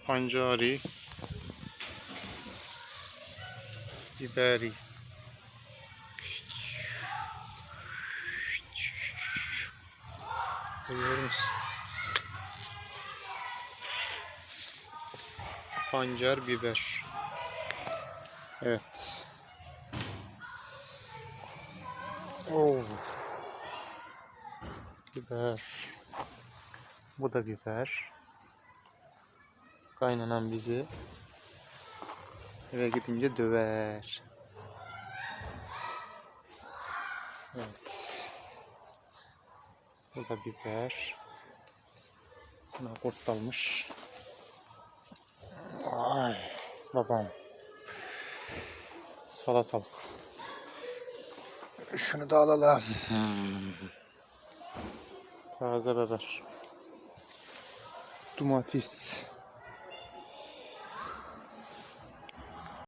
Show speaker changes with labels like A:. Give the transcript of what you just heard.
A: Pancari, biberi. Görüyor musun? Pancar, biber. Evet. Oh. Biber. Bu da biber. Kaynanan bizi eve gidince döver. Evet. Bu da biber. Buna kurt dalmış. Ay babam. Salatalık. Şunu da alalım. Taze biber. Domates.